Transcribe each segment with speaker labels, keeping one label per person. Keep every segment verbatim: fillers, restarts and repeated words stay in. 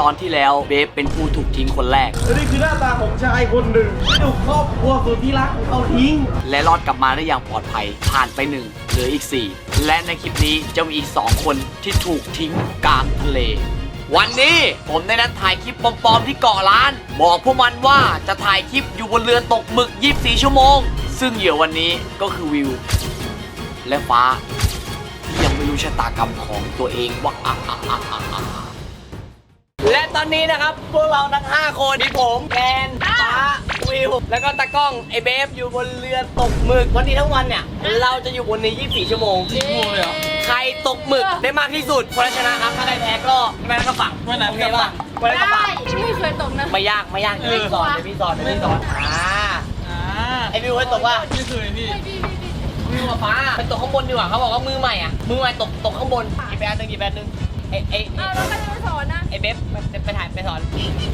Speaker 1: ตอนที่แล้วเบฟเป็นผู้ถูกทิ้งคนแรก
Speaker 2: และนี่คือหน้าตาของชายคนหนึ่งที่ถูกครอบครัวสุดที่รักของเขาทิ้ง
Speaker 1: และรอดกลับมาได้อย่างปลอดภัยผ่านไปหนึ่งเหลืออีกสี่และในคลิปนี้จะมีอีกสองคนที่ถูกทิ้งกลางทะเลวันนี้ผมได้นัดถ่ายคลิปปลอมๆที่เกาะล้านบอกพวกมันว่าจะถ่ายคลิปอยู่บนเรือตกหมึกยี่สิบสี่ชั่วโมงซึ่งเหยื่อวันนี้ก็คือวิวและฟ้าที่ยังไม่รู้ชะตากรรมของตัวเองว่าอ่ะอ่ะอ่ะอ่ะอ่ะและตอนนี้นะครับพวกเราทั้งห้าคนที่ผมแกนฟ้าวิวแล้วก็ตากล้องไอเบฟอยู่บนเรือตกหมึกวันนี้ทั้งวันเนี่ยเราจะอยู่บนนี้ยี่สิบสี่ชั่วโมงใครตกหมึกได้มากที่สุดคนชนะครับถ้าใครแพ้ก็ไม่ต้องฝั่งไม่ต้องฝั่งไม่ต้องฝั่ง
Speaker 3: ไม่เคยตกนะ
Speaker 1: ไม่ยากไม่ยากเดี๋ยวพี่สอนเดี๋ยวพี่สอนเดี๋ยวพี่สอนอ่าไอวิวเคยตกว่า
Speaker 2: ไม่เคยพี่
Speaker 1: วิวกับฟ้าไปตกข้างบนดีกว่าเขาบอกว่ามือใหม่อ่ะมือใหม่ตกตกข้างบนอีกแบนหนึ่งอีกแบนหนึ่งไอไอ
Speaker 3: อ้าวแล้วใครจะไปสอนนะ
Speaker 1: ไอเบฟไปถ่ายไปสอน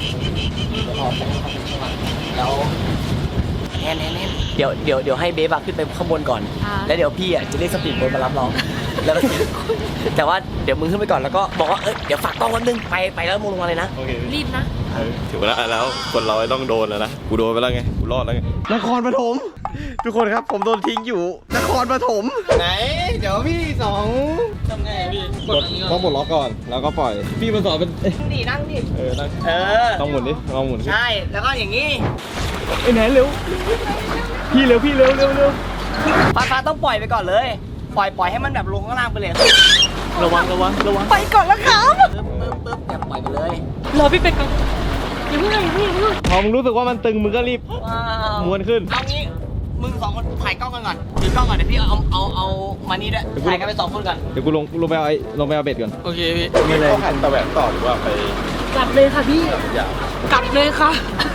Speaker 1: แล้วแน่นแน่นเดี๋ยวเดี๋ยวเดี๋ยวให้เบฟขึ้นไปข้างบนก่อนแล้วเดี๋ยวพี่อ่ะจะเรียกสปีดโบ๊ทมารับเราแล้วก็แต่ว่าเดี๋ยวมึงขึ้นไปก่อนแล้วก็บอกว่าเอ้ยเดี๋ยวฝากกล้องวันนึงไปไปแล้วมึงลงมาเลยนะ
Speaker 3: รีบนะ
Speaker 4: ถึงเวลาแล้วคนเราต้องโดนแล้วนะกูโดนไปแล้วไงกูรอดแล้วไง
Speaker 2: นครปฐมทุกคนครับผมโดนทิ้งอยู่นครปฐมไหนเดี๋ยวพี่สอง
Speaker 1: ทำไงพี่
Speaker 4: กดต้องปลดล็อกก่อนแล้วก็ปล่อยพี่มันสอนเป็น
Speaker 1: ดีนั่งดิ
Speaker 4: เออนั่ง
Speaker 1: เออ
Speaker 4: ต้องหมุนดิลองหมุน
Speaker 1: ใช่แล้วก็อย่างนี้
Speaker 2: ไอ้ไหนเร็วพี่เร็วพี่เร็วเร็วเร็ว
Speaker 1: ฟ้าฟ้าต้องปล่อยไปก่อนเลยปล่อยปล่อยให้มันแบบลงข้างล่างไปเลย
Speaker 2: ระวังระวังระวัง
Speaker 3: ไปก่อนแล้วครับ
Speaker 1: ปึ๊บปึ๊บปึ๊บอย่าปล่อยไปเลย
Speaker 3: รอพี่เป็ดก่อนอย่าเพิ่งอย่าเพิ่งอย่าเพิ่ง
Speaker 2: พอมึงรู้สึกว่ามันตึงมึงก็รีบม้วนขึ้น
Speaker 1: เอางี้มึงสองคนถ่ายกล้องกันก่อนถือกล้องก่อนเดี๋ยวพี่เอาเอาเอามานี่ด้วยถ่ายกันไปสองคนก่อน
Speaker 4: เดี๋ยวกูลงลงไปเอาไอ้ลงไปเอาเบ็ดก่อน
Speaker 2: โอเคพี่
Speaker 4: มีอะไรหันตะแหวกต่อหรือว่าไป
Speaker 3: กลับเลยค่ะพี่กลับเลยค่ะ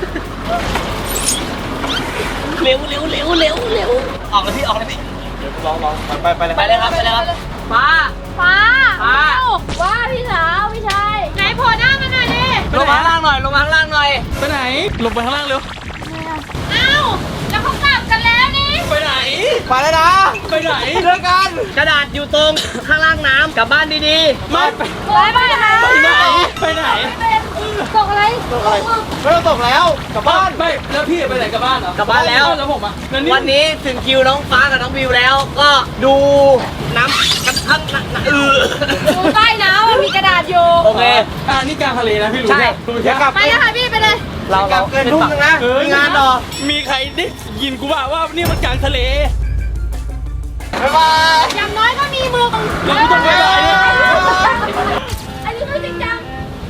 Speaker 1: เร็วเร็วเร็วเร็วเร็วออกเลยพี่ออกเลยพี่
Speaker 4: ลองลองไปไปเลย
Speaker 1: ไปเลยครับไปเลยครับฟ้า
Speaker 3: ฟ้า
Speaker 1: ฟ้า
Speaker 3: ว่าพี่สาวพี่ชายไหนโผล่หน้ามาหน่อยดิ
Speaker 1: ลงมาข้างล่างหน่อยลงมาข้างล่างหน่อย
Speaker 2: ไปไหนลงไปข้างล่างเร็ว
Speaker 3: อ้าวแล้วเขากลับกันแล้วนี่
Speaker 2: ไปไหน
Speaker 1: ไปเลยนะ
Speaker 2: ไปไหน
Speaker 1: เลิกกันกระดาษอยู่ตรงข้างล่างน้ำกลับบ้านดี
Speaker 2: ๆไม่ไป
Speaker 3: ไปไปไหน
Speaker 2: ไปไหนไปไหน
Speaker 3: ตกอะไร
Speaker 1: ตกอะไรไม่ต้องตกแล้วกลับบ้าน
Speaker 2: ไม่แล้วพี่ไปไหนกลับบ้านเหรอก
Speaker 1: ลับบ้านแล้ว
Speaker 2: แล้วผมอ่ะ
Speaker 1: วันนี้ถึงคิวน้องฟ้ากับน้องวิวแล้วก็ดูน้ำกันทั้งเออ
Speaker 3: ดูใต้น้ำมันมีกระดาษอยู่
Speaker 1: โอเค
Speaker 2: อ่านี่กลางทะเลนะพี่รู้ใช่
Speaker 3: ไปเลยค่ะพี่ไปเลย
Speaker 1: เราเรา
Speaker 2: เกินทุ่งนึงนะ
Speaker 1: มีงานต่อ
Speaker 2: มีใครได้ยินกูบ่าว่านี่มันกลางทะเล
Speaker 1: บ๊ายบาย
Speaker 3: อย่างน้อยก็มีมือของ
Speaker 2: เราไม่ต้องบ๊ายบายเนี่ย
Speaker 3: อันนี้คือจริงจัง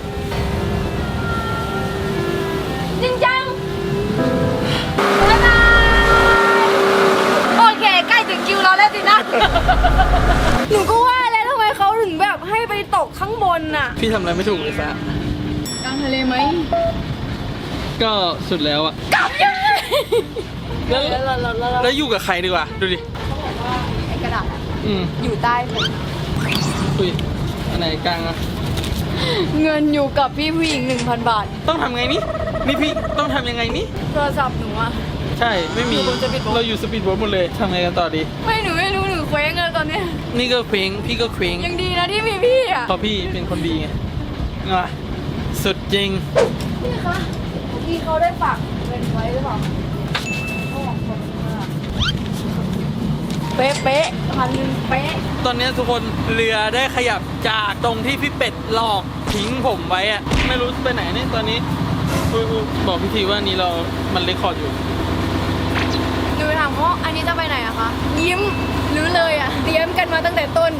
Speaker 3: จริงจังบ๊ายบายโอเคใกล้ถึงคิวเราแล้วสินะหนูก็ว่าแล้วทำไมเขาถึงแบบให้ไปตกข้างบนน่ะ
Speaker 2: พี่ทำอะไรไม่ถูกเลยซะ
Speaker 3: กลางทะเลไหม
Speaker 2: ก็สุดแล้วอะ
Speaker 3: กลับยังไง
Speaker 2: แล้วแล้วอยู่กับใครดีกว่าดูดิ
Speaker 3: เขาบอกว่าไอ้กระดาษ
Speaker 2: อืม
Speaker 3: อยู่ใต้ผม
Speaker 2: อุ้ยอันไหนกลางอะ
Speaker 3: เงินอยู่กับพี่ผู้หญิง หนึ่งพัน บาท
Speaker 2: ต้องทำไงนี่นี่พี่ต้องทำยังไงนี่
Speaker 3: โทรศัพท์หนูอะ
Speaker 2: ใช่ไม่มีเราอยู่สปีดโบ๊ทหมดเลยทำไงกันต่อดี
Speaker 3: ไม่หนูไม่รู้หนูเคว้งเลยตอนนี้
Speaker 2: นี่ก็เคว้งพี่ก็เคว้ง
Speaker 3: ยังดีนะที่มีพี่อะ
Speaker 2: เพราะพี่เป็นคนดีไงอ่ะสุดจริง
Speaker 3: พี่คะพี่เขาได้ฝากเงินไว้หรือเปล่าเขาบอกคนเป๊ะเป๊ะพันหนึ่งเป๊ะ
Speaker 2: ตอนนี้ทุกคนเรือได้ขยับจากตรงที่พี่เป็ดหลอกทิ้งผมไว้อะไม่รู้ไปไหนเนี่ยตอนนี้บอกพี่ทีว่านี้เรามันเรคคอร์ดอยู่
Speaker 3: หนูถามว่าอันนี้จะไปไหนอะคะยิ้มหรือเลยอะเตรียมกันมาตั้งแต่ต้น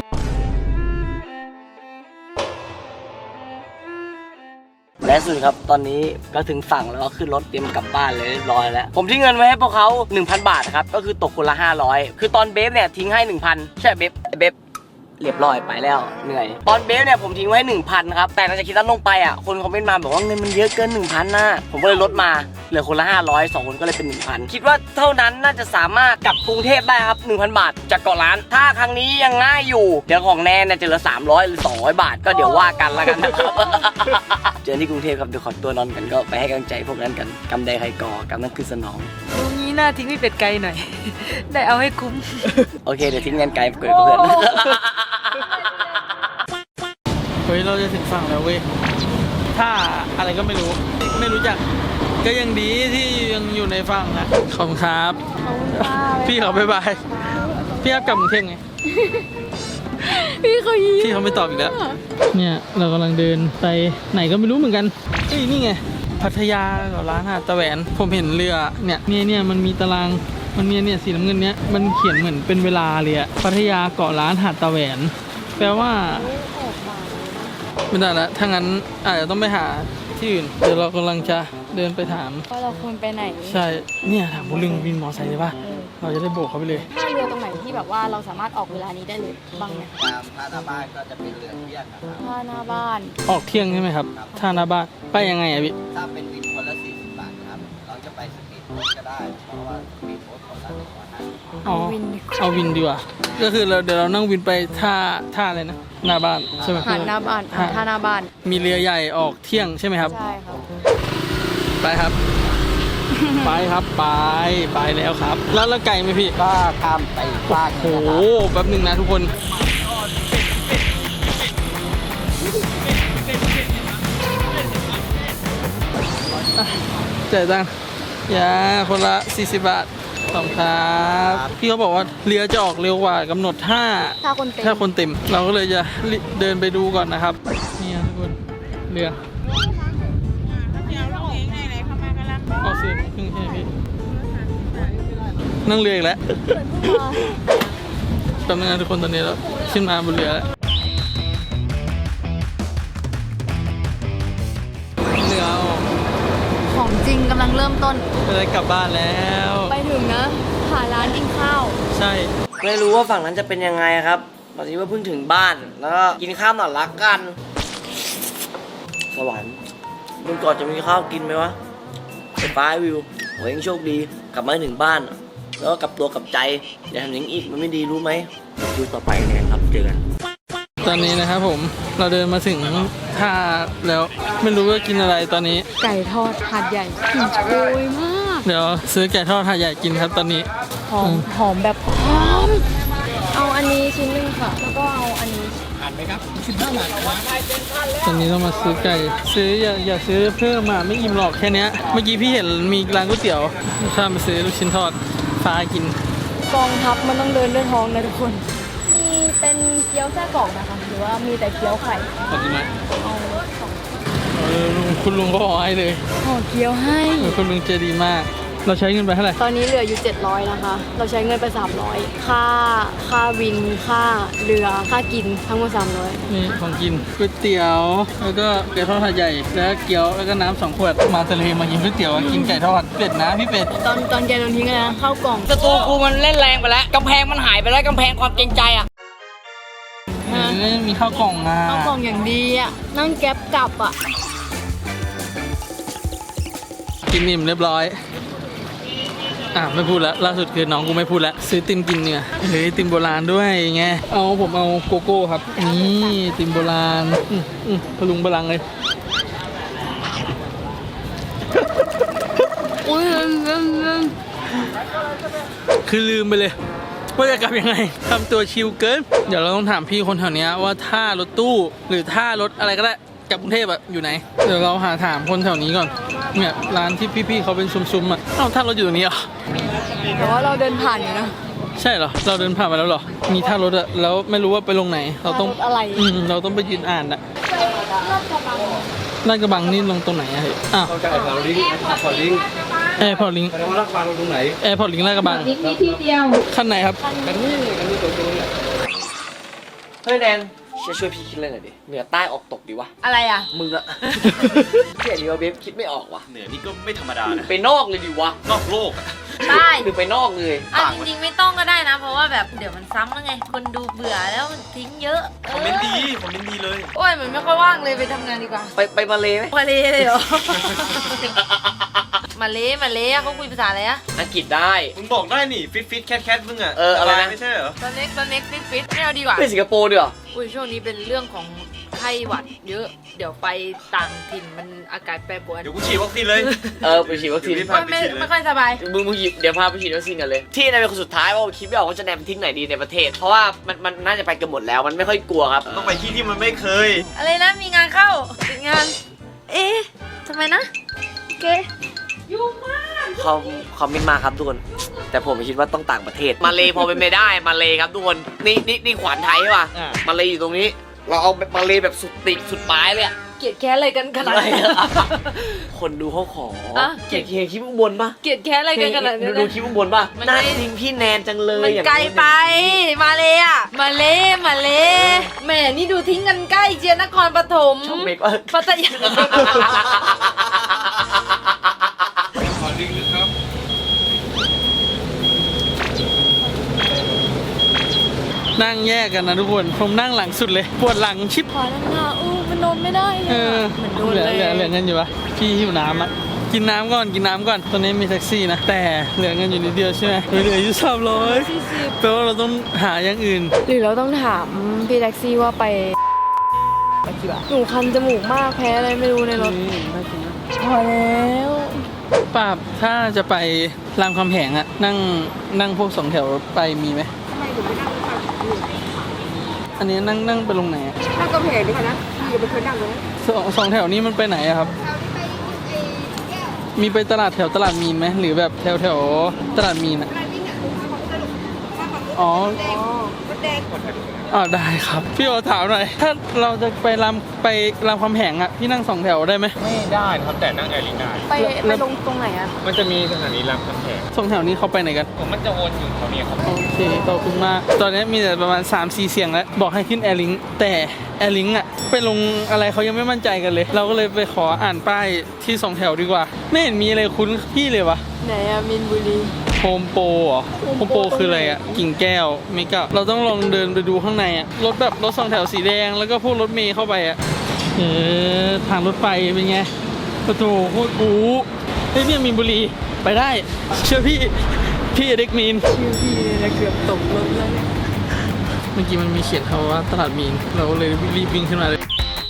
Speaker 1: และสุดครับตอนนี้ก็ถึงฝั่งแล้วก็ขึ้นรถเตรียมกลับบ้านเลยเรียบร้อยแล้วผมทิ้งเงินไว้ให้พวกเขา หนึ่งพัน บาทครับก็คือตกคนละห้าร้อยคือตอนเบฟเนี่ยทิ้งให้ หนึ่งพัน ใช่เบฟเบฟเรียบร้อยไปแล้วเหนื่อยตอนเบฟเนี่ยผมทิ้งไว้ หนึ่งพัน ครับแต่หลังจากคิดตั้งลงไปอ่ะคนคอมเมนต์มาบอกว่าเงินมันเยอะเกิน หนึ่งพัน นะผมก็เลยลดมาเหลือคนละห้าร้อยสองคนก็เลยเป็น หนึ่งพัน คิดว่าเท่านั้นน่าจะสามารถกลับกรุงเทพได้ครับ หนึ่งพัน บาทจากเกาะล้านถ้าครั้งนี้ยังง่ายอยู่เดี๋ยวของแนนเนี่ยจะเหลือสามร้อยหรือสองร้อยบาทก็เดี๋ยวว่ากันแล้วกันนะครับเจอที่กรุงเทพครับเดี๋ยวขอตัวนอนกันก็ไปให้กำลังใจพวกนั้นกันกำใดใครก่อกำนั้นคือสนอง
Speaker 3: ตรงนี้น่าทิ้งพี่เป็ดไกลหน่อยได้เอาให้คุ้ม
Speaker 1: โอเคเดี๋ยวทิ้งเงินไกลเกิดกับเพื่อน
Speaker 2: เฮ้ยเราจะถึงฝั่งแล้วเว้ยท่าอะไรก็ไม่รู้ไม่รู้จักก็ยังดีที่ยังอยู่ในฝั่งนะขอบคุณครับ
Speaker 3: ขอบคุณค่ะ
Speaker 2: พี่เขาบ๊ายบายพี่ครับกลับกรุงเทพไง
Speaker 3: พี่เขายิ้ม
Speaker 2: พี่เขาไม่ตอบอีกแล้วเนี่ยเรากำลังเดินไปไหนก็ไม่รู้เหมือนกันเอ้ยนี่ไงพัทยากับร้านหาดตะแหวนผมเห็นเรือเนี่ยเนี่ยเนี่ยมันมีตารางมันมีเนี่ยสีน้ำเงินเนี้ยมันเขียนเหมือนเป็นเวลาเลยอะพัทยาเกาะล้านหาดตะแหวน แปลว่าไม่ได้ละถ้างั้นอาจจะต้องไปหาที่อื่นเดี๋ยวเรากำลังจะเดินไปถาม
Speaker 3: ว่าเราควรไปไหน
Speaker 2: ใช่เนี่ยถามบุญลึงวินมอไซค์เลยป่ะเราจะได้โบกเขาไปเลย
Speaker 3: ท่าเรือตรงไหนที่แบบว่าเราสามารถออกเวลานี้ได้เลยบ้างไหม
Speaker 5: ตามท่าหน้าบ้านก็จะเป็นเรือเที่ยงนะครับ
Speaker 3: ท่าหน้าบ้าน
Speaker 2: ออกเที่ยงใช่ไหมครับท่าหน้าบ้านไปยังไงอะพี่
Speaker 5: ถ้าเป็นวินคนละสี่สิบบาทครับ เราจะไปสปีดโบ๊ทก็ได้ เพราะว่าสปีดโบ๊ทคนละหนึ่งร้อยห้าสิบ
Speaker 2: อ๋อ
Speaker 3: วินดีกว่า
Speaker 2: เอาวินดีกว่าก็คือเราเดี๋ยวเรานั่งวินไปท่าท่าอะไรนะหน้าบ้านใช่ไหม
Speaker 3: หาดหน้าบ้านอ่าท่าหน้าบ้าน
Speaker 2: มีเรือใหญ่ออกเที่ยงใช่ไหมครับ
Speaker 3: ใช่ครับ
Speaker 2: ไปครับ ไปครับไปไปแล้วครับ แล้วแล้วไก่ไหมพี่
Speaker 5: ก็ข้ามไปอีกฟากห
Speaker 2: โอ้
Speaker 5: นึง
Speaker 2: โห
Speaker 5: นะครับ
Speaker 2: แป๊บหนึ่งนะทุกคนอ่ะจ่ายตังค์ยาคนละสี่สิบบาทขอบคุณครับพี่เขาบอกว่าเรือจะออกเร็วกว่ากำหนดถ้า
Speaker 3: ถ้าคนเต็ม
Speaker 2: ถ้าคนเต็มเราก็เลยจะรีเดินไปดูก่อนนะครับนี่ทุกคนเรือออกเสียงครึ่งใช่ไหมพี่นั่งเรืออีกแล้วแป๊บนึงนะทุกคนตอนนี้เราขึ้นมาบนเรือแล้วเรือออก
Speaker 3: ของจริงกำลังเริ่มต้น
Speaker 2: จะได้กลับบ้านแล้ว
Speaker 3: ไปถึงนะหาร้านกินข้าว
Speaker 2: ใช่
Speaker 1: ไม่รู้ว่าฝั่งนั้นจะเป็นยังไงครับตอนนี้ว่าเพิ่งถึงบ้าน แล้วก็กินข้าวหน่อยละกัน สวรรค์มึงก่อนจะมีข้าวกินไหมวะไฟฟ้าวิวโหยังโชคดี กลับมาถึงบ้าน แล้วก็กลับตัวกลับใจ อย่าทำอย่างนี้อีกมันไม่ดีรู้ไหมดูต่อไปเนี่ยครับเจอกัน
Speaker 2: ตอนนี้นะครับผมเราเดินมาถึงท่าแล้วไม่รู้ว่ากินอะไรตอนนี้
Speaker 3: ไก่ทอดหาดใหญ่กลิ่นโชยมาก
Speaker 2: เดี๋ยวซื้อไก่ทอดหาดใหญ่กินครับตอนนี้
Speaker 3: หอมหอมแบบหอม เอาอันนี้ชิ้นหนึงค่ะ แล้วก็เอาอันนี้
Speaker 2: ตอนนี้ต้องมาซื้อไก่ซื้ออย่าอย่าซื้อเพิ่มมาไม่อิ่มหรอกแค่เนี้ยเมื่อกี้พี่เห็นมีร้านก๋วยเตี๋ยวข้ามไปซื้อลูกชิ้นทอดฟ้ากิน
Speaker 3: กองทัพมันต้องเดินด้วยท้องนะทุกคน มีเป็นเกี๊ยวไส้กรอกนะคะ หรือว่ามีแต่เกี๊ยวไข่
Speaker 2: ขอบคุณไหม
Speaker 3: เอาสอง
Speaker 2: เออลุงคุณลุงก็ขอให้เลย
Speaker 3: ห่อเกี๊ยวให้
Speaker 2: เออคุณลุงใจดีมาก เราใช้เงินไปเท่าไหร่
Speaker 3: ตอนนี้เหลืออยู่เจ็ดร้อยนะคะ เราใช้เงินไปสามร้อยค่า ค่าวิน ค่าเรือ ค่ากิน ทั้งหมดสามร้อย
Speaker 2: นี่ของกินก๋วยเตี๋ยวแล้วก็ไก่ทอดหาดใหญ่แล้วก็เกี๊ยวแล้วก็น้ำสองขวดมาทะเลมากินก๋วยเตี๋ยวกินไก่ทอดเป็ดนะพี่เป็ด
Speaker 3: ตอนตอนแกโดนทิ้งนะข้าวกล่อง
Speaker 1: ศัตรูกูมันเล่นแรงไปแล้วกำแพงมันหายไปแล้วกำแพงความเกรงใจอ่ะ
Speaker 2: เออมีข้าวกล่องอ่ะ
Speaker 3: ข้าวกล่องอย่างดีอ่ะ นั่งแก๊ปกลับอ่ะ
Speaker 2: กินนิ่มเรียบร้อยอ่ะไม่พูดแล้วล่าสุดคือน้องกูไม่พูดแล้วซื้อติมกินเนี่ยเฮ้ยติมโบราณด้วยไงเอาผมเอาโกโก้ครับนี่ติมโบราณอืมอืมพลุงพลังเลย
Speaker 3: อุ้ย
Speaker 2: คือลืมไปเลยว่าจะกลับยังไงทำตัวชิลเกินเดี๋ยวเราต้องถามพี่คนแถวเนี้ยว่าท่ารถตู้หรือท่ารถอะไรก็ได้กลับกรุงเทพอะอยู่ไหนเดี๋ยวเราหาถามคนแถวนี้ก่อนเนี่ยร้านที่พี่ๆเขาเป็นซุ้มๆอะเอ้าท่ารถอยู่ตรงนี้เหรอ
Speaker 3: แต่ว่าเราเดินผ่านอยู่นะ
Speaker 2: ใช่เหรอเราเดินผ่านมาแล้วเหรอมีท่ารถอะแล้วไม่รู้ว่าไปลงไหน เราต้อง
Speaker 3: ท่ารถอะไร
Speaker 2: อืมเราต้องไปยืนอ่านอะลาดกระบังนี่ลงตรงไหนอะเฮ้ยอ้าว
Speaker 4: เข้าใจแอร์พอร์ตลิงก์แอร์พอร์ตลิงก์
Speaker 2: แอร์พอร์ตลิง
Speaker 4: แสดงว่ารักบางลงตรงไหน
Speaker 2: แอร์พอร์ตลิงลาดกระบัง
Speaker 3: นี่ที่เดียว
Speaker 2: ขั้นไหนครับ
Speaker 4: กันนี่กันนี่ตรงตรงนี้
Speaker 1: เฮ้ยแดนช่วยช่วยพี่คิดเลยหน่อยดิเหนือใต้ออกตกดีวะ
Speaker 3: อะไรอ่ะ
Speaker 1: มึงอะ เที่ยดีว่าเบฟคิดไม่ออกว่ะ
Speaker 6: เหนือนี่ก็ไม่ธรรมดานะ
Speaker 1: ไปนอกเลยดีวะ
Speaker 6: นอกโลกอะ
Speaker 7: ได้
Speaker 1: หรือไปนอกเลย
Speaker 7: อ่ะจริงๆไม่ต้องก็ได้นะ เพราะว่าแบบเดี๋ยวมันซ้ำแล้วไง คนดูเบื่อแล้วมันทิ้งเยอะ
Speaker 6: คอมเมนต์ดีคอมเมนต์ดีเลย
Speaker 7: โอ้ยมันไม่ค่อยว่างเลยไปทำงานดีกว่า
Speaker 1: ไปไปมาเลยไหม
Speaker 7: มาเลเลยเหรอ มาเลมาเลอะเขาคุยภาษาอะไรอะ
Speaker 1: อังกฤษได้
Speaker 6: มึงบอกได้นี่ฟิตฟิตแคทแคทมึงอะ
Speaker 1: เอออะไรนะ
Speaker 6: ไม่ใช่เหรอ
Speaker 7: ตอนเล็กตอนเล็กฟิตฟิตไม่เอาดีกว่า
Speaker 1: ไปสิงคโปร์ดีกว่า
Speaker 7: อุ้ยช่วงนี้เป็นเรื่องของไข้หวัดเยอะ เดี๋ยวไปต่างถิ่นมันอากาศแปรปรวน
Speaker 6: เดี๋ยวกูฉีดวัคซีนเลย
Speaker 1: เออไปฉีดวัคซีน
Speaker 6: เดี๋ยว
Speaker 7: โอ้ยไม่ไม่ค่อยสบาย
Speaker 1: มึงมึงหยิบเดี๋ยวพาไปฉีดวัคซีนกันเลย ที่นายเป็นคนสุดท้ายว่าคิดไม่ออกว่าจะแนมทิ้งไหนดีในประเทศ เพราะว่ามันมันน่าจะไปกันหมดแล้วมันไม่ค่อยกลัวครับ
Speaker 6: ต้องไปที่ที่มันไม่เคย
Speaker 7: อะไรนะมีงานเข้าติดงาน
Speaker 1: ไอ้
Speaker 3: ทำไมนะโอเค
Speaker 1: เขาเขาไม่มาครับทุกคน แต่ผมคิดว่าต้องต่างประเทศ มาเลพอเป็นไม่ได้มาเลครับทุกคน นี่นี่นี่ขวานไทยใช่ป่ะ
Speaker 2: อ่า
Speaker 1: มาเลอยู่ตรงนี้ เราเอามาเลแบบสุดติกสุดปลายเลยอะ
Speaker 7: เกลียดแค้นอะไรกันขนาดนี้น
Speaker 1: คนดูเขาขอ
Speaker 7: อ่ะ
Speaker 1: เกลียดเกลียดคลิปข้างบนปะ
Speaker 7: เกลียดแค้นอะไรกันขนาดนี้
Speaker 1: ดู
Speaker 7: น
Speaker 1: ดูคลิปข้างบนปะ
Speaker 7: มัน
Speaker 1: น่า
Speaker 7: ไม่
Speaker 1: ทิ้งพี่แนนจังเลย
Speaker 7: มัน
Speaker 1: อย่าง
Speaker 7: ไกลไป มาเลยอ่ะ มาเลยมาเลยแหม่นี่ดูทิ้งกันใกล้เจียนนครปฐม
Speaker 1: ชอบเมกว่า
Speaker 7: พัทยา
Speaker 2: นั่งแยกกันนะทุกคนผมนั่งหลังสุดเลยปวดหลังชิบ
Speaker 3: ขอนั่งหน้าอู้มันนอนไม่ได้เล
Speaker 2: เอย อ
Speaker 3: อะ
Speaker 7: เหมือนโดน
Speaker 2: เหลือ
Speaker 7: เลย
Speaker 2: เหลือเหลือเงินอยู่ปะพี่หิวน้ำอ่ะกินน้ำก่อนกินน้ำก่อนตอนนี้มีแท็กซี่นะแต่เหลือเงินอยู่นิดเดียวใช่ไหมเหลืออยู่สามร้อยแปลว่าเราต้องหาอย่างอื่น
Speaker 3: หรือเราต้องถามพี่แท็กซี่ว่าไปหนูคันจมูกมากแพ้อะไรไม่รู้ในรถพอแล้ว
Speaker 2: ป้าบถ้าจะไปรามคำแหงอะนั่งนั่งพวกสองแถวไปมีไหมทำไมถึงไม่นั่งอันนี้นั่งนั่งไปลงไหนอะ
Speaker 8: นั่งกำแพงดีกว่านะพี่อย่าไปเคยนั่งเลยนะ
Speaker 2: สองสองแถวนี้มันไปไหนอะครับ มีไปตลาดแถวตลาดมีนไหมหรือแบบแถวแถวตลาดมีนอะอ๋ออ๋อได้ครับ พี่โอถามหน่อย ถ้าเราจะไปรามไปรามคำแหงอะพี่นั่งสองแถวได้ไหม
Speaker 9: ไม่ได้ครับแต่นั่งแอร์ลิงได้
Speaker 3: ไปไปลงตรงไหนอะ
Speaker 9: มันจะมีสถานีรามคำแหง
Speaker 2: สองแถวนี้เขาไปไหนกัน
Speaker 9: ผมมันจะวนอยู่แถวนี้ครับ
Speaker 2: โอเคขอบคุณมาก ตอนนี้มีแต่ประมาณ สามสี่ เสียงแล้ว บอกให้ขึ้นแอร์ลิงแต่แอร์ลิงอะไปลงอะไรเขายังไม่มั่นใจกันเลย เราก็เลยไปขออ่านป้ายที่สองแถวดีกว่า ไม่เห็นมีอะไรคุ้นพี่เลยวะ
Speaker 3: ไหนอะมินบุรี
Speaker 2: โฮมโปรเหรอโฮมโปรคืออะไรอะกิ่งแก้วเมกะเราต้องลองเดินไปดูข้างในอะรถแบบรถสองแถวสีแดงแล้วก็พวกรถเมย์เข้าไปอะเออทางรถไฟเป็นไงประตูโคตรกูเฮ้ยเนี่ยมีนบุรีไปได้เชื่อพี่พี่เด็กมีน
Speaker 3: ชื่อพี่เนี่ยเกือบตกรถแล้วเนี่ย
Speaker 2: เมื่อกี้มันมีเขียนคำว่าตลาดมีนเราก็เลยรีบวิ่งขึ้นมาเลย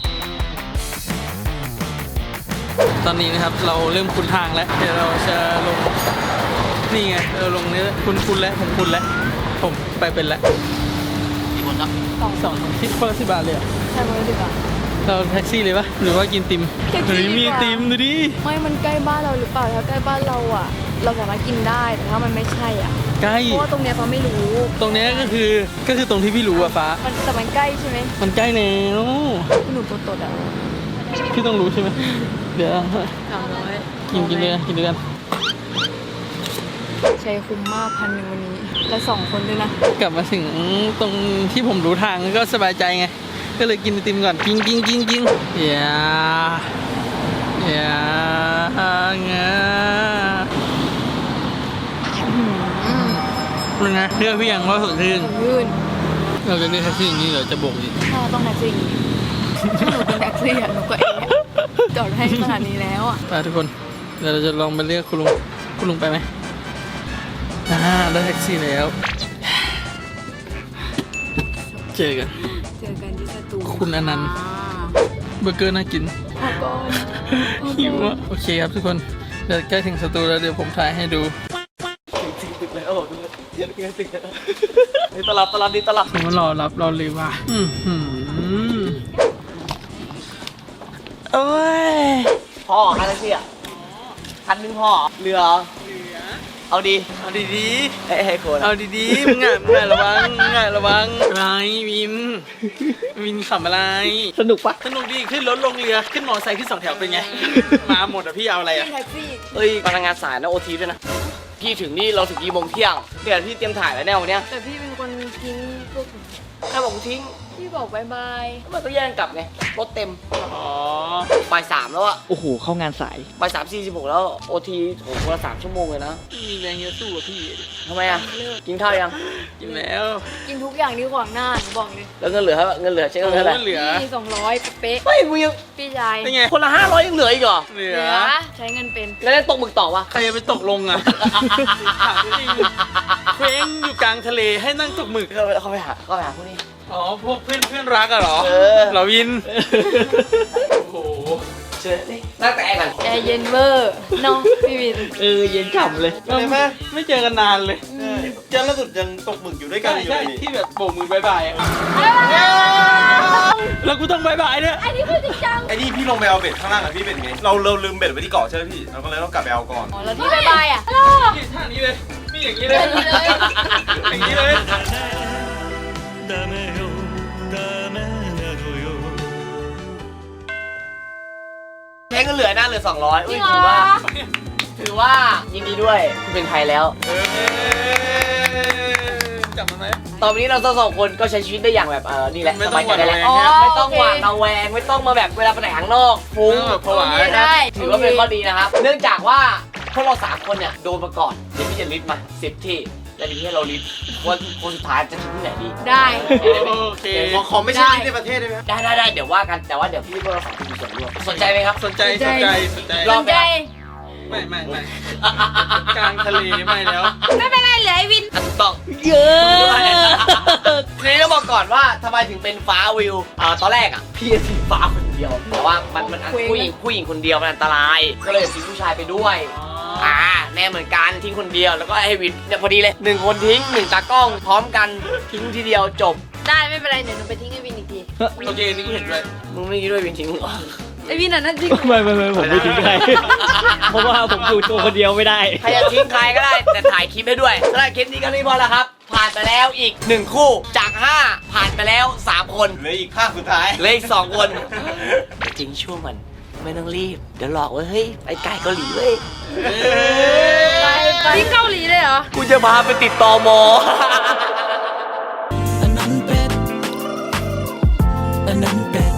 Speaker 2: ตอนนี้นะครับเราเริ่มคุ้นทางแล้วเดี๋ยวเราจะลงนี่ไงเราลงนี้คุ้นคุ้นแล้วผมคุ้นแล้วผมไปเป็นแล้ว
Speaker 1: มีคนครับ
Speaker 3: สอง
Speaker 2: สองที่คนละสิบบาทเลยเหรอ
Speaker 3: ใช่ไหมดีกว่า
Speaker 2: เราแท็กซี่เลยปะหรือว่ากินติม
Speaker 3: แท็กซี่
Speaker 2: เฮ้ย
Speaker 3: ดีกว่ามี
Speaker 2: มีติมดูดิ
Speaker 3: ไม่มันใกล้บ้านเราหรือเปล่าถ้าใกล้บ้านเราอะเราสามารถกินได้แต่ถ้ามันไม่ใช่อะ
Speaker 2: ใกล้
Speaker 3: เพราะว่าตรงเนี้ยเขาไม่รู้
Speaker 2: ตรงเนี้ยก็คือก็คือตรงที่พี่รู้อะฟ้า
Speaker 3: มันแต่มันใกล้ใช่ไหม
Speaker 2: มันใกล้แล้ว
Speaker 3: หนูตัวตดอะ
Speaker 2: พี่ต้องรู้ใช่ไหมเดี๋ยว
Speaker 3: สามร้อย
Speaker 2: กินกินเลยกินด้วยกัน
Speaker 3: ใช้คุ้มมากพันหนึ่งวันนี้และสองคนด้วยนะ
Speaker 2: กลับมาถึงตรงที่ผมรู้ทางก็สบายใจไงก็เลยกินไอติมก่อนกินกินกินกินอย่าอย่าเงาเป็นไงเรื่องพี่ยังว่าสุดชื่น
Speaker 3: ยื่น
Speaker 2: เราจะเรียกแท็กซี่อย่างนี้เหรอจะโบกอีก
Speaker 3: ถ้าต้องแท็กซี่อย่างนี้ถ้าหนูเป็นแท็กซี่อะหนูก็เองจอดให้ขนาดนี้แล้วอะ
Speaker 2: ไปทุกคนเดี๋ยวเราจะลองไปเรียกคุณลุงคุณลุงไปไหมอ่าได้แท็กซี่แล้วเจอกัน
Speaker 3: เจอกันที่สตู
Speaker 2: คุณอนันต์ เบอร์เกอร์น่ากิน
Speaker 3: พอก่อน
Speaker 2: หิวอ่ะโอเคครับทุกคนเดี๋ยวใกล้ถึงสตูแล้วเดี๋ยวผมถ่ายให้ดู
Speaker 1: ถึงตึกแล้วถึงเดี๋ยวถึงตึกแล้วนี่ตลับตลับนี่ตลับ
Speaker 2: ผมมารอรับรอเลยว่ะอือหือโอ้ย
Speaker 1: พ่อคันแท็กซี่อ่ะคันหนึงพ่อเหลือเอาดี
Speaker 2: เอาดี
Speaker 1: เอ้ยให้คน
Speaker 2: ๆเอาดีๆมึงอ่ะมึงอ่ะระวังมึงอ่ะระวังอะไรวินวินขำอะไร
Speaker 1: สนุกปะ
Speaker 2: สนุกดีขึ้นรถลงเรือขึ้นมอเตอร์ไซค์ขึ้นสองแถวเป็นไง มาหมดอ่ะพี่เอาอะไรอ่ะ
Speaker 3: แท็กซี่
Speaker 1: เอ้ยพนักงานสายนะโอทีด้วยนะพี่ถึงนี่เราถึงกี่โมงเที่ยงเดี๋ยวพี่เตรียมถ่ายแล้วแน่วันเนี้ย
Speaker 3: แต่พี่เป็นคนทิ้งพวก
Speaker 1: ใครบอกกูทิ้ง
Speaker 3: พี่บอกบายบาย
Speaker 1: มันต้องแย่งกลับไงรถเต็ม
Speaker 2: อ๋อ
Speaker 1: บ่ายสามแล้วอะ
Speaker 5: โอ้โห เข้างานสาย
Speaker 1: บ่ายสามสี่สิบหกแล้วโอทีโหคนละสามชั่วโมงเลยนะ
Speaker 2: มีแรงเยอะสู้อะพี่
Speaker 1: ทำไมอะกินข้าวยัง
Speaker 2: กินแล้ว
Speaker 3: กินทุกอย่างที่ขวางหน้าหนูบอกเลย
Speaker 1: แล้วเงินเหลือเท่าเงินเหลือใช้เงินเท่าไหร่
Speaker 2: โอ้เหลือ
Speaker 3: พี่สองร้อยเป๊ะ
Speaker 1: เฮ้ยมึงยัง
Speaker 3: ๆพี่ชาย
Speaker 2: เป็นไง
Speaker 1: คนละห้าร้อยยังเหลืออีกเหรอ
Speaker 2: เหลื
Speaker 3: เห
Speaker 2: อ
Speaker 3: ลือใช้เงินเป็น
Speaker 1: แล้วได้ตกหมึกต่อวะ
Speaker 2: ใครจะไปตกลงอ่ะถามจริงเคว้งอยู่กลางทะเลให้นั่งตกหมึก
Speaker 1: เขาไปเขาไปหาเขาไปหาพวกนี้
Speaker 2: อ๋อ พวกเพื่อนเพื่อนรักอะเหรอ
Speaker 1: เออ
Speaker 2: เหราวิน โอ้โห
Speaker 1: เจอดินั่งแต่กัน
Speaker 3: แอร์เย็นเวอร์เนาะพี่วิน
Speaker 1: เออเย็นฉ่ำเลย
Speaker 2: เออไม่ไม่เจอกันนานเลย
Speaker 6: เจอล่าสุดยังตกหมึกอยู่ด้วยกัน
Speaker 2: ใช่
Speaker 6: อยู่
Speaker 2: ใช่
Speaker 6: เลยนี่
Speaker 2: ที่แบบโบกมือบายบายอะแล้วกูต้องบายบายด้วย
Speaker 3: อันนี้คือจริงจัง
Speaker 6: ไอ้นี่พี่ลงไปเอาเบ็ดข้างล่างอะพี่เบ็ดไงเราเราลืมเบ็ดไว้ที่เกาะใช่ไหมพี่เราก็เลยต้องกลับไปเอาก่อน
Speaker 7: อ๋อแล้วพี่บายบายอ่ะ
Speaker 2: นี่ท่านี้เลยนี่อย่างนี้เลย
Speaker 7: อย่างนี้เลย
Speaker 2: อย่างนี้เลย
Speaker 1: แค่ก็เหลือหน้าเหลือสองร้อย
Speaker 3: จริ
Speaker 1: อุ้ย
Speaker 3: งเหร
Speaker 1: ถือ
Speaker 3: อ
Speaker 1: ว่า ถือว่ายินดีด้วยคุณเป็นไทยแล้ว
Speaker 2: เออจับมันไหม
Speaker 1: ตอนนี้เราสองคนก็ใช้ชีวิตได้อย่างแบบเออนี่แหละ
Speaker 2: ไม่
Speaker 1: ส
Speaker 2: ต้
Speaker 1: บา
Speaker 2: อย ง
Speaker 1: ใจได้แล้ว
Speaker 2: หวาดระแวง
Speaker 1: ไม่ต้องหวาดระแวงไม่ต้องมาแบบเวลาไปไหนข้างนอกฟุ้ง
Speaker 2: เออผวา
Speaker 7: โอเคได้
Speaker 1: ถือว่าเป็นข้อดีนะครับ เนื่องจากว่าพวกเราสามคนเนี่ยโดนมาก่อนเดี๋ยวพี่จะลิสต์มาสิบที่แล้วมีให้เราลิสต์ว่าคนสุดท้ายจะทิ้งที่ไหนดี
Speaker 7: ได้
Speaker 2: โอเค
Speaker 6: ขอขอไม่ใช่ที่ในประเทศได้ไหมครับ
Speaker 1: ได้ได้ได้เดี๋ยวว่ากันแต่ว่าเดี๋ยวพี่พวกเราสองคนมีส่วนร่วมสนใจไหมครับ
Speaker 2: สนใจสนใจสนใจ
Speaker 1: ร
Speaker 7: ส
Speaker 1: อบ
Speaker 7: นใจ
Speaker 2: ไม่ไม่ไม่กลางทะเลไม่แล้ว
Speaker 7: ไม่เป็นไรเหลือไอ้วิน
Speaker 1: อ่ะถูกต้อง
Speaker 7: เยอะ
Speaker 1: ทีนี้ต้องบอกก่อนว่าทำไมถึงเป็นฟ้าวิวอ่าตอนแรกอ่ะพี่จะทิ้งฟ้าคนเดียวแต่ว่ามันมันผู้หญิงผู้หญิงคนเดียวมันอันตราย ก็เลยทิ้งผู้ชายไปด้วยอ่าแน่เหมือนกันทิ้งคนเดียวแล้วก็ให้วินเนี่ยพอดีเลยหนึ่งคนทิ้งหนึ่งตากล้องพร้อมกันทิ้งทีเดียวจบ
Speaker 7: ได้ไม่เป็นไรเดี๋ยวหนูไปทิ้งไอ้วินอีกที
Speaker 2: โอเคนี่กูเห็นด้วย
Speaker 1: มึงไม่คิดด้วยวินทิ้งมึงเหรอ
Speaker 7: ไอ้วินอ่ะนั่นจริง
Speaker 10: ไม่ไม่ไม่ผมไม่ทิ้งใคร เพราะว่าผมอยู่ตัวคนเดียวไม่ได้
Speaker 1: ใครจะทิ้งใครก็ได้แต่ถ่ายคลิปให้ด้วยสำหรับคลิปนี้ก็นี่พอแล้วครับ ผ่านไปแล้วอีกหนึ่งคู่จากห้าผ่านไปแล้วสามคน
Speaker 6: เหลืออีกภาคสุดท้าย
Speaker 1: เหลืออีกสองคนทิ้งช่วงมันไม่ต้องรีบเดี๋ยวหลอกว่าเฮ้ยไปไก่เกาหลีเว้ย
Speaker 7: ไปไปที่เกาหลีเลยเหรอ
Speaker 1: กูจะพาไปติดตอมอ
Speaker 11: อันนั้นเป็นอันนั้นเป็น